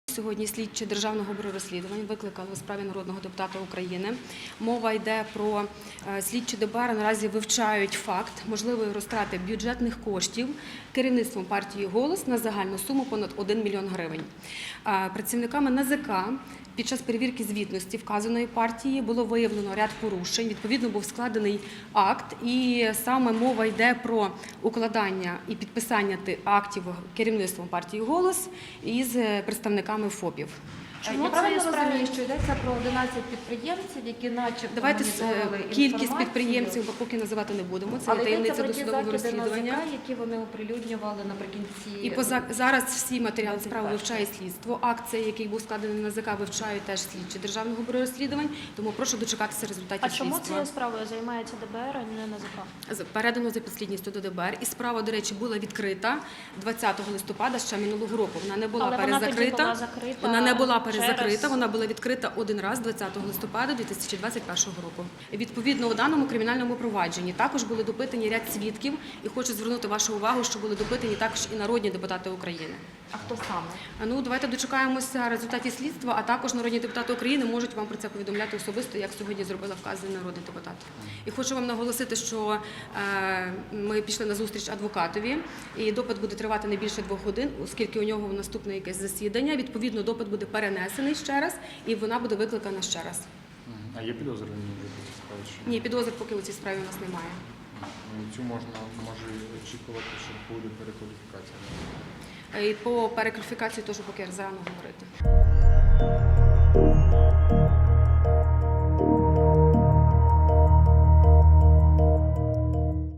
Сьогодні слідчі Державного бюро розслідувань викликали у справі народного депутата України. Мова йде про слідчі ДБР наразі вивчають факт можливої розтрати бюджетних коштів керівництвом партії «Голос» на загальну суму понад 1 мільйон гривень. Працівниками НАЗК під час перевірки звітності вказаної партії було виявлено ряд порушень. Відповідно, був складений акт, і саме мова йде про укладання і підписання актів керівництвом партії «Голос» із представниками ФОПів. Я правильно розумію, що йдеться про 11 підприємців, які начебто Давайте моніторили кількість підприємців, бо поки називати не будемо, це є таємниця досудового розслідування. Які вони оприлюднювали наприкінці. І зараз всі матеріали справи вивчає слідство. Акт, який був складений на НАЗК, вивчають теж слідчі Державного бюро розслідувань, тому прошу дочекатися результатів слідства. А чому цією справою займається ДБР, а не НАЗК? Передано за підслідністю до ДБР. І справа, до речі, була відкрита 20 листопада ще минулого року. Вона не була перезакрита. Вона не була перезакрита, вона була відкрита один раз 20 листопада 2021 року. Відповідно, у даному кримінальному провадженні також були допитані ряд свідків, і хочу звернути вашу увагу, що були допитані також і народні депутати України. А хто саме? Давайте дочекаємося результатів слідства, а також народні депутати України можуть вам про це повідомляти особисто, як сьогодні зробила вказаний народний депутат. І хочу вам наголосити, що ми пішли на зустріч адвокатові, і допит буде тривати не більше 2 годин, оскільки у нього наступне якесь засідання. Відповідно, допит буде перенесений ще раз, і вона буде викликана ще раз. А є підозрювані в цій справі? Ні, підозр поки у цій справі у нас немає. Цю може очікувати, що буде перекваліфікація? І по перекваліфікації теж поки рано говорити.